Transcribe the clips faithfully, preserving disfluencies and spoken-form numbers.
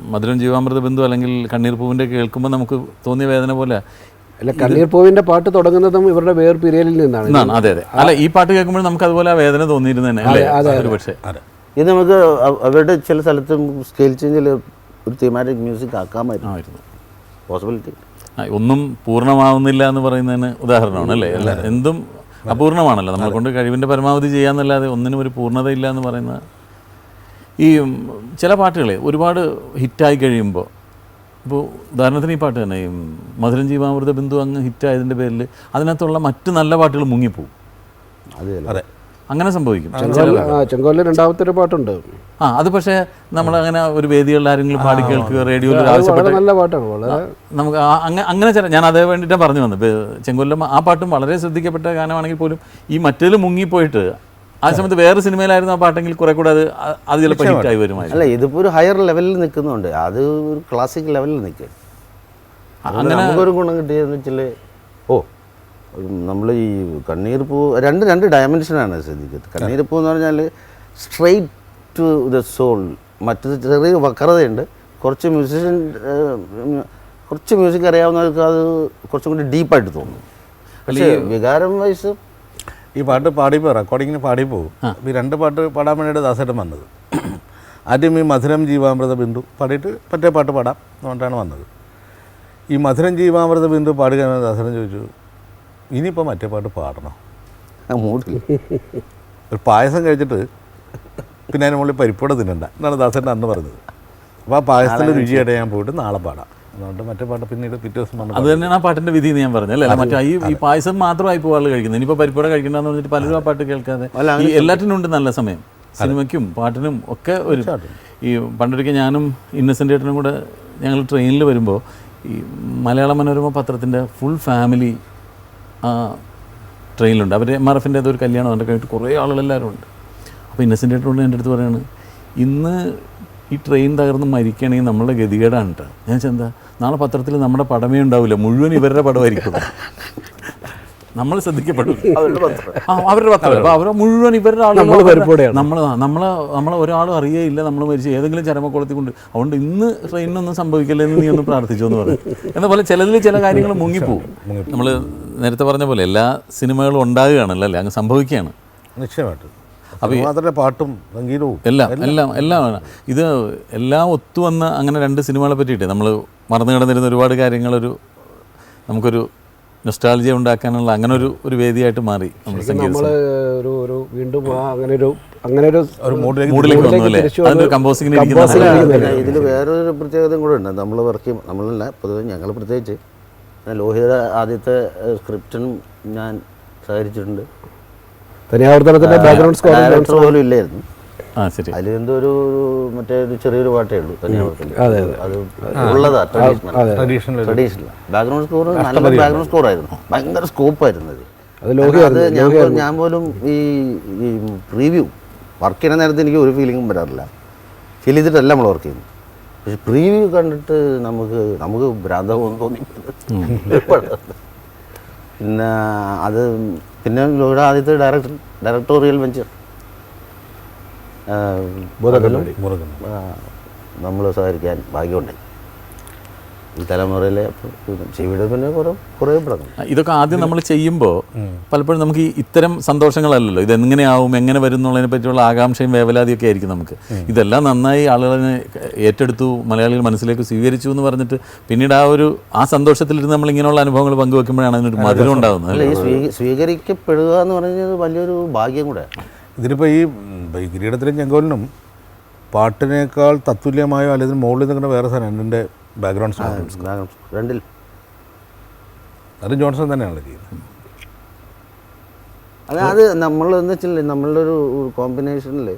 മധുരം ജീവാമൃത ബിന്ദു അല്ലെങ്കിൽ കണ്ണീർ പൂവിൻ്റെ കേൾക്കുമ്പോൾ നമുക്ക് തോന്നിയ വേദന പോലെ അല്ല, കണ്ണീർ പൂവിൻ്റെ പാട്ട് തുടങ്ങുന്നതും ഇവരുടെ വേർ പിരിയലിൽ നിന്നാണ്. അതെ അതെ. അല്ല, ഈ പാട്ട് കേൾക്കുമ്പോൾ നമുക്ക് അതുപോലെ ആ വേദന തോന്നിയിരുന്നു തന്നെ അല്ലേ ഒരു പക്ഷേ. ഇത് നമുക്ക് അവരുടെ ചില സ്ഥലത്തും സ്കെയിൽ ചേഞ്ചിൽ ഒരു തീമാറ്റിക് മ്യൂസിക് ആക്കാമായിരുന്നു. പോസിബിലിറ്റി ഒന്നും പൂർണ്ണമാവുന്നില്ല എന്ന് പറയുന്നതിന് ഉദാഹരണമാണ് അല്ലേ. അല്ല, എന്തും അപൂർണമാണല്ലോ, നമ്മളെ കൊണ്ട് കഴിവിൻ്റെ പരമാവധി ചെയ്യാന്നല്ലാതെ ഒന്നിനും ഒരു പൂർണ്ണതയില്ല എന്ന് പറയുന്ന ഈ ചില പാട്ടുകളെ ഒരുപാട് ഹിറ്റായി കഴിയുമ്പോൾ, ഇപ്പോൾ ഉദാഹരണത്തിന് ഈ പാട്ട് തന്നെ, ഈ മധുരം ജീവാമൃത ബിന്ദു അങ്ങ് ഹിറ്റായതിൻ്റെ പേരിൽ അതിനകത്തുള്ള മറ്റു നല്ല പാട്ടുകൾ മുങ്ങിപ്പോവും. അതെ, അങ്ങനെ സംഭവിക്കും. ചെങ്കോലിൽ രണ്ടാമത്തെ ഒരു പാട്ടുണ്ട്. ആ, അത് പക്ഷേ നമ്മളങ്ങനെ ഒരു വേദികളിൽ ആരെങ്കിലും പാടി കേൾക്കുക, റേഡിയോയിൽ ആവശ്യപ്പെട്ട നല്ല പാട്ടാണ്. വളരെ നമുക്ക് അങ്ങനെ ചില ഞാൻ അതേ വേണ്ടിയിട്ടാണ് പറഞ്ഞു വന്നത്. ചെങ്കോലിലും ആ പാട്ടും വളരെ ശ്രദ്ധിക്കപ്പെട്ട ഗാനമാണെങ്കിൽ പോലും ഈ മറ്റേതിൽ മുങ്ങിപ്പോയിട്ട് ആ സമയത്ത് വേറെ സിനിമയിലായിരുന്നു ആ പാട്ടെങ്കിൽ കുറെ കൂടെ അത് അത് ചിലപ്പോൾ ഹിറ്റായി വരുമായിരുന്നു. അല്ല, ഇതിപ്പോൾ ഒരു ഹയർ ലെവലിൽ നിൽക്കുന്നുണ്ട്, അത് ഒരു ക്ലാസിക് ലെവലിൽ നിൽക്കുക. അങ്ങനെ നമുക്കൊരു ഗുണം കിട്ടിയെന്ന് വെച്ചാൽ, ഓ നമ്മൾ ഈ കണ്ണീർ പൂ രണ്ട് രണ്ട് ഡയമെൻഷനാണ് ശ്രദ്ധിക്കുന്നത്. കണ്ണീർ പൂ എന്ന് പറഞ്ഞാൽ സ്ട്രെയിറ്റ് ടു ദ സോൾ, മറ്റത് ചെറിയ വക്രതയുണ്ട്. കുറച്ച് മ്യൂസിഷ്യൻ കുറച്ച് മ്യൂസിക് അറിയാവുന്നവർക്ക് അത് കുറച്ചും കൂടി ഡീപ്പായിട്ട് തോന്നും. പക്ഷേ വികാരം വയസ്സ് ഈ പാട്ട് പാടിപ്പോൾ റെക്കോർഡിങ്ങിന് പാടിപ്പോകും. ഈ രണ്ട് പാട്ട് പാടാൻ വേണ്ടിയിട്ട് ദാസേട്ടൻ വന്നത്. ആദ്യം ഈ മധുരം ജീവാമൃത ബിന്ദു പാടിയിട്ട് മറ്റേ പാട്ട് പാടാം എന്നുകൊണ്ടാണ് വന്നത്. ഈ മധുരം ജീവാമൃത ബിന്ദു പാടുക ദാസേട്ടൻ ചോദിച്ചു, ഇനിയിപ്പോൾ മറ്റേ പാട്ട് പാടണം. മൂടില്ല, ഒരു പായസം കഴിച്ചിട്ട് പിന്നെ അതിന് മുകളിൽ പരിപ്പോടെ തിന്നണ്ട എന്നാണ് ദാസേട്ടൻ അന്ന് പറഞ്ഞത്. അപ്പോൾ ആ പായസത്തിൻ്റെ രുചിയായിട്ട് ഞാൻ പോയിട്ട് നാളെ പാടാം. അതുകൊണ്ട് മറ്റേ പാട്ട് പിന്നീട് പിറ്റേ ദിവസം വന്നു. അത് തന്നെയാണ് ആ പാട്ടിൻ്റെ വിധി എന്ന് ഞാൻ പറഞ്ഞത് അല്ലേ. മറ്റേ ഈ ഈ പായസം മാത്രമായി ഇപ്പോൾ ആൾ കഴിക്കുന്നത്. ഇനിയിപ്പോൾ പരിപ്പോടെ കഴിക്കണ്ടെന്ന് പറഞ്ഞിട്ട് പലരും ആ പാട്ട് കേൾക്കാതെ ഈ എല്ലാറ്റിനും ഉണ്ട് നല്ല സമയം. സിനിമയ്ക്കും പാട്ടിനും ഒക്കെ ഒരു ഈ പണ്ടൊരിക്കൽ ഞാനും ഇന്നസെൻ്റ് ഏട്ടനും കൂടെ ഞങ്ങൾ ട്രെയിനിൽ വരുമ്പോൾ ഈ മലയാള മനോരമ പത്രത്തിൻ്റെ ഫുൾ ഫാമിലി ആ ട്രെയിനിലുണ്ട്. അവർ എം ആർ എഫിൻ്റെ അതൊരു കല്യാണം അതിൻ്റെ കഴിഞ്ഞിട്ട് കുറേ ആളുകളെല്ലാവരും ഉണ്ട്. അപ്പോൾ ഇന്നസെൻ്റ് ഏട്ടനോട് എൻ്റെ അടുത്ത് പറയുകയാണ്, ഇന്ന് ഈ ട്രെയിൻ തകർന്ന് മരിക്കുകയാണെങ്കിൽ നമ്മളുടെ ഗതികേടാണ് കേട്ടോ. ഞാൻ ചെന്താ നാളെ പത്രത്തിൽ നമ്മുടെ പടമേ ഉണ്ടാവില്ല, മുഴുവൻ ഇവരുടെ പടമായിരിക്കും. നമ്മൾ ശ്രദ്ധിക്കപ്പെടും ആ അവരുടെ പത്രം. അപ്പോൾ അവർ മുഴുവൻ ഇവരുടെ ആളുകൾ നമ്മൾ നമ്മളെ നമ്മളെ ഒരാളും അറിയേയില്ല നമ്മൾ മരിച്ച് ഏതെങ്കിലും ചരമക്കുളത്തിൽ കൊണ്ട്. അതുകൊണ്ട് ഇന്ന് ട്രെയിനിനൊന്നും സംഭവിക്കില്ല എന്ന് നീ ഒന്ന് പ്രാർത്ഥിച്ചു എന്ന് പറയും. എന്ന പോലെ ചിലതിൽ ചില കാര്യങ്ങൾ മുങ്ങിപ്പോവും. നമ്മൾ നേരത്തെ പറഞ്ഞ പോലെ എല്ലാ സിനിമകളും ഉണ്ടാകുകയാണല്ലോ അല്ലേ, അങ്ങ് സംഭവിക്കുകയാണ് നിശ്ചയമായിട്ടും. അപ്പോൾ മാത്രമേ പാട്ടും സംഗീതവും എല്ലാം എല്ലാം എല്ലാം ഇത് എല്ലാം ഒത്തുവന്ന അങ്ങനെ രണ്ട് സിനിമകളെ പറ്റിയിട്ട് നമ്മൾ മറന്നു കിടന്നിരുന്ന ഒരുപാട് കാര്യങ്ങളൊരു നമുക്കൊരു നൊസ്റ്റാൾജിയ ഉണ്ടാക്കാനുള്ള അങ്ങനെ ഒരു ഒരു വേദിയായിട്ട് മാറി നമ്മൾ സംഗീത ഒരു ഒരു വീണ്ടും അങ്ങനെ ഒരു അങ്ങനെ ഒരു മൂഡിലേക്ക് വന്നു അല്ലേ. അതിൻ്റെ കമ്പോസിങ്ങിന് ഇതിൽ വേറൊരു പ്രത്യേകതയും കൂടെ ഉണ്ട്. നമ്മൾ വർക്ക് ചെയ്യും, നമ്മളല്ല പൊതുവെ ഞങ്ങൾ പ്രത്യേകിച്ച് ലോഹിത ആദ്യത്തെ സ്ക്രിപ്റ്റിനും ഞാൻ സഹകരിച്ചിട്ടുണ്ട്. തനിയാവർത്തനത്തിൻ്റെ ബാക്ക്ഗ്രൗണ്ട് സ്കോർ പോലും ഇല്ലായിരുന്നു. ആ ശരി. അതിൽ എന്തോ ഒരു മറ്റേ ഒരു ചെറിയൊരു പാട്ടേ ഉള്ളൂ തനിയാവർത്തനം. അത് ഉള്ളതാ ട്രഡീഷണൽ ട്രഡീഷണൽ ബാക്ക്ഗ്രൗണ്ട് സ്കോർ. നല്ല ബാക്ക്ഗ്രൗണ്ട് സ്കോർ ആയിരുന്നു, ഭയങ്കര സ്കോപ്പായിരുന്നു അത്. അത് ഞാൻ ഞാൻ പോലും ഈ ഈ പ്രീവ്യൂ വർക്ക് ചെയ്യുന്ന നേരത്തെ എനിക്ക് ഒരു ഫീലിംഗും വരാറില്ല. ഫീൽ ചെയ്തിട്ടല്ല നമ്മൾ വർക്ക് ചെയ്യുന്നത്. പക്ഷെ പ്രീവ്യൂ കണ്ടിട്ട് നമുക്ക് നമുക്ക് ഭ്രാന്തമെന്ന് തോന്നി. പിന്നെ അത് പിന്നെ ഇവിടെ ആദ്യത്തെ ഡയറക്ടർ ഡയറക്ടോറിയൽ വെഞ്ചർ നമ്മൾ സഹകരിക്കാൻ ഭാഗ്യമുണ്ടായി ഈ തലമുറയിലെ. ഇവിടെ പിന്നെ കുറേ കുറേ പടങ്ങൾ ഇതൊക്കെ ആദ്യം നമ്മൾ ചെയ്യുമ്പോൾ പലപ്പോഴും നമുക്ക് ഈ ഇത്തരം സന്തോഷങ്ങളല്ലല്ലോ, ഇതെങ്ങനെയാവും എങ്ങനെ വരും എന്നുള്ളതിനെ പറ്റിയുള്ള ആകാംക്ഷയും വേവലാതിയൊക്കെ ആയിരിക്കും നമുക്ക്. ഇതെല്ലാം നന്നായി ആളുകളെ ഏറ്റെടുത്തു, മലയാളികൾ മനസ്സിലേക്ക് സ്വീകരിച്ചു എന്ന് പറഞ്ഞിട്ട് പിന്നീട് ആ ഒരു ആ സന്തോഷത്തിലിരുന്ന് നമ്മൾ ഇങ്ങനെയുള്ള അനുഭവങ്ങൾ പങ്കുവെക്കുമ്പോഴാണ് അതിനൊരു മധുരം ഉണ്ടാകുന്നത്. അല്ല, ഈ സ്വീകരിക്കപ്പെടുക എന്ന് പറയുന്നത് വലിയൊരു ഭാഗ്യം കൂടെ. ഇതിലിപ്പോൾ ഈ കിരീടത്തിലും ചെങ്കോലിനും പാട്ടിനേക്കാൾ തത്തുല്യമായോ അല്ലെങ്കിൽ മുകളിൽ നിൽക്കുന്ന വേറെ സാധനം എൻ്റെ ബാക്ക്ഗ്രൗണ്ട് സോങ്സ് രണ്ടിൽ അത് ജോൺസൺ തന്നെയാണ് ചെയ്യുന്നത്. അത് അത് നമ്മൾ എന്ന് വെച്ചാൽ നമ്മളുടെ ഒരു കോമ്പിനേഷനിൽ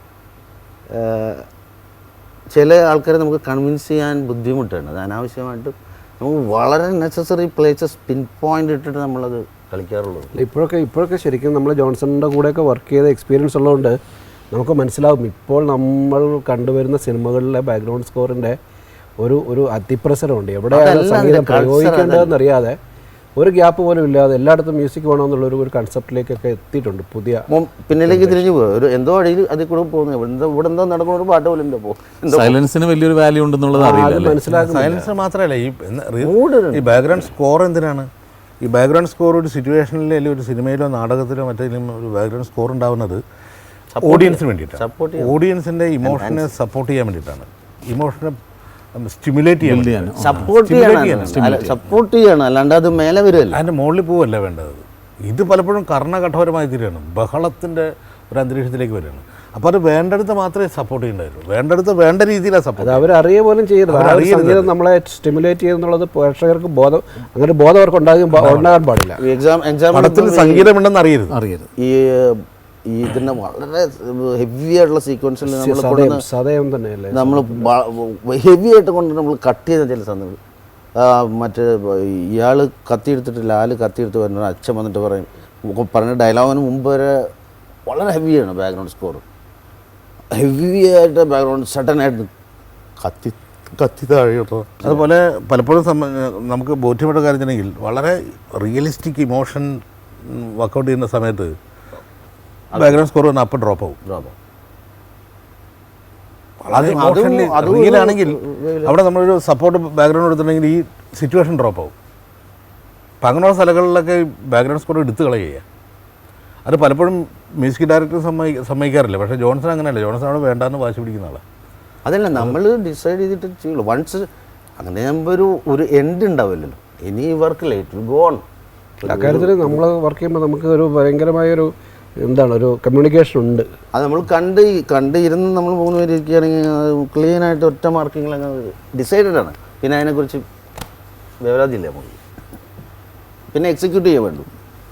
ചില ആൾക്കാരെ നമുക്ക് കൺവിൻസ് ചെയ്യാൻ ബുദ്ധിമുട്ടാണ്. അത് അനാവശ്യമായിട്ട് നമുക്ക് വളരെ നെസസറി പ്ലേസസ് പിൻ പോയിന്റ് ഇട്ടിട്ട് നമ്മളത് കളിക്കാറുള്ളത്. ഇപ്പോഴൊക്കെ ഇപ്പോഴൊക്കെ ശരിക്കും നമ്മൾ ജോൺസണിൻ്റെ കൂടെയൊക്കെ വർക്ക് ചെയ്ത എക്സ്പീരിയൻസ് ഉള്ളതുകൊണ്ട് നമുക്ക് മനസ്സിലാവും ഇപ്പോൾ നമ്മൾ കണ്ടുവരുന്ന സിനിമകളിലെ ബാക്ക്ഗ്രൗണ്ട് സ്കോറിൻ്റെ ഒരു ഒരു അതിപ്രസരമുണ്ട്. എവിടെയാണ് സംഗീതം പ്രയോഗിക്കേണ്ടതെന്നറിയാതെ ഒരു ഗ്യാപ്പ് പോലും ഇല്ലാതെ എല്ലായിടത്തും മ്യൂസിക് വേണമെന്നുള്ളൊരു ഒരു കൺസെപ്റ്റിലേക്കൊക്കെ എത്തിയിട്ടുണ്ട് പുതിയ. പിന്നിലേക്ക് തിരിഞ്ഞു പോകും, ഒരു എന്തോ അടിയിൽ അതിൽ കൂടെ പോകുന്നു, ഇവിടെ എന്തോ ഇവിടെ എന്തോ നടക്കുന്ന ഒരു പാട്ട് പോലും എന്തോ പോകും. സൈലൻസിന് വലിയൊരു വാല്യൂ ഉണ്ടെന്നുള്ളത് അറിയില്ല. മനസ്സിലാക്കും. സൈലൻസ് മാത്രമല്ല, ഈ ഈ ബാക്ക്ഗ്രൗണ്ട് സ്കോർ എന്തിനാണ്? ഈ ബാക്ക്ഗ്രൗണ്ട് സ്കോർ ഒരു സിറ്റുവേഷനിലോ അല്ലെങ്കിൽ ഒരു സിനിമയിലോ നാടകത്തിലോ മറ്റേതിലും ഒരു ബാക്ക്ഗ്രൗണ്ട് സ്കോർ ഉണ്ടാവുന്നത് ഓഡിയൻസിന് വേണ്ടിയിട്ടാണ്. ഓഡിയൻസിൻ്റെ ഇമോഷനെ സപ്പോർട്ട് ചെയ്യാൻ വേണ്ടിയിട്ടാണ്, ഇമോഷനെ സ്റ്റിമുലേറ്റ് ചെയ്യാൻ, സപ്പോർട്ട് ചെയ്യണം, സപ്പോർട്ട് ചെയ്യണം, അല്ലാണ്ട് അത് മേലെ വരുമല്ലോ, അതിൻ്റെ മുകളിൽ പോവല്ല വേണ്ടത്. ഇത് പലപ്പോഴും കർണകഠോരമായി തീരുകയാണ്, ബഹളത്തിൻ്റെ ഒരു അന്തരീക്ഷത്തിലേക്ക് വരികയാണ്. അപ്പോൾ അത് വേണ്ടടുത്ത് മാത്രമേ സപ്പോർട്ട് ചെയ്യേണ്ടതുള്ളൂ, വേണ്ടടുത്ത് വേണ്ട രീതിയിലാണ് സപ്പോർട്ട്. അത് അവരറിയ പോലും ചെയ്യരുത്. സംഗീതം നമ്മളെ സ്റ്റിമുലേറ്റ് ചെയ്യുന്നുള്ളത് പ്രേക്ഷകർക്ക് ബോധം, അങ്ങനെ ബോധം അവർക്ക് ഉണ്ടാകും ഉണ്ടാകാൻ പാടില്ല. എക്സാം എക്സാം പടത്തിൽ സംഗീതമുണ്ടെന്ന് അറിയരുത് അറിയരുത് ഈ ഈ ഇതിൻ്റെ വളരെ ഹെവി ആയിട്ടുള്ള സീക്വൻസിൽ നമ്മൾ സതയം തന്നെയല്ലേ, നമ്മൾ ഹെവി ആയിട്ട് കൊണ്ട് നമ്മൾ കട്ട് ചെയ്ത ചില സന്ദർഭം. മറ്റേ ഇയാൾ കത്തിയെടുത്തിട്ട് ലാല് കത്തിയെടുത്ത് വരുന്ന അച്ഛൻ വന്നിട്ട് പറയും, പറഞ്ഞ ഡയലോഗിന് മുമ്പ് വരെ വളരെ ഹെവിയാണ് ബാക്ക്ഗ്രൗണ്ട് സ്കോർ, ഹെവി ആയിട്ട് ബാക്ക്ഗ്രൗണ്ട് സഡനായിട്ട് കത്തി കത്തി താഴെട്ടോ. അതുപോലെ പലപ്പോഴും നമുക്ക് ബോധ്യപ്പെട്ട കാര്യത്തിനെങ്കിൽ വളരെ റിയലിസ്റ്റിക് ഇമോഷൻ വർക്കൗട്ട് ചെയ്യുന്ന സമയത്ത് ബാക്ക്ഗ്രൗണ്ട് സ്കോർ വന്നാൽ അപ്പം ഡ്രോപ്പ് ആവും. ഡ്രോപ്പ് വളരെ ഇമോഷണലി റിയലാണെങ്കിൽ അവിടെ നമ്മളൊരു സപ്പോർട്ട് ബാക്ക്ഗ്രൗണ്ട് എടുത്തിട്ടുണ്ടെങ്കിൽ ഈ സിറ്റുവേഷൻ ഡ്രോപ്പ് ആവും. അപ്പം അങ്ങനെയുള്ള സ്ഥലങ്ങളിലൊക്കെ ബാക്ക്ഗ്രൗണ്ട് സ്കോർ എടുത്ത് കളയുക. അത് പലപ്പോഴും മ്യൂസിക് ഡയറക്ടർ സമ്മതി സമ്മതിക്കാറില്ല. പക്ഷേ ജോൺസൺ അങ്ങനെയല്ല, ജോൺസൺ അവിടെ വേണ്ടാന്ന് വാശി പിടിക്കുന്ന ആളാണ്. അതല്ല, നമ്മൾ ഡിസൈഡ് ചെയ്തിട്ട് ചെയ്യുള്ളൂ. വൺസ് അങ്ങനെ ആകുമ്പോൾ ഒരു ഒരു എൻഡ് ഉണ്ടാവില്ലല്ലോ, ഇനി വർക്ക് ലേറ്റ് ഗോ ഓൺ. അക്കാര്യത്തിൽ നമ്മൾ വർക്ക് ചെയ്യുമ്പോൾ നമുക്ക് ഒരു ഭയങ്കരമായൊരു എന്താണ് ഒരു കമ്മ്യൂണിക്കേഷൻ ഉണ്ട്. അത് നമ്മൾ കണ്ട് കണ്ട് ഇരുന്ന് നമ്മൾ മൂന്ന് പേര് ഇരിക്കുകയാണെങ്കിൽ ക്ലീനായിട്ട് ഒറ്റ മാർക്കിങ്ങിലങ്ങ് ഡിസൈഡഡ് ആണ്. പിന്നെ അതിനെക്കുറിച്ച് വിവരാതില്ല നമുക്ക്, പിന്നെ എക്സിക്യൂട്ട് ചെയ്യാൻ വേണ്ടു.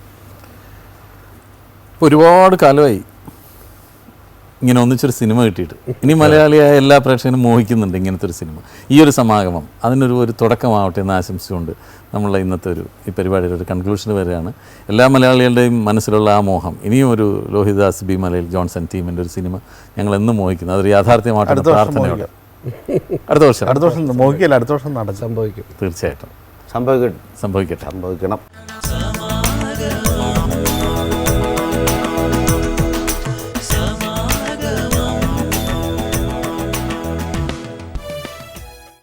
ഒരുപാട് കാലമായി ഇങ്ങനെ ഒന്നിച്ചൊരു സിനിമ കിട്ടിയിട്ട്. ഇനി മലയാളിയായ എല്ലാ പ്രേക്ഷകനും മോഹിക്കുന്നുണ്ട് ഇങ്ങനത്തെ ഒരു സിനിമ, ഈ ഒരു സമാഗമം അതിനൊരു ഒരു തുടക്കമാവട്ടെ എന്ന് ആശംസിച്ചുകൊണ്ട് നമ്മളുടെ ഇന്നത്തെ ഒരു ഈ പരിപാടിയുടെ ഒരു കൺക്ലൂഷന് വരികയാണ്. എല്ലാ മലയാളികളുടെയും മനസ്സിലുള്ള ആ മോഹം, ഇനിയും ഒരു ലോഹിതദാസ് ബി മലയിൽ ജോൺസൺ ടീമിൻ്റെ ഒരു സിനിമ ഞങ്ങൾ എന്നും മോഹിക്കുന്നു, അതൊരു യാഥാർത്ഥ്യമായിട്ട് പ്രാർത്ഥനയോടെ അടുത്ത വർഷം അടുത്ത വർഷം മോഹിക്കല്ല അടുത്ത വർഷം നടക്കും, സംഭവിക്കും, തീർച്ചയായിട്ടും സംഭവിക്കട്ടെ സംഭവിക്കട്ടെ സംഭവിക്കണം.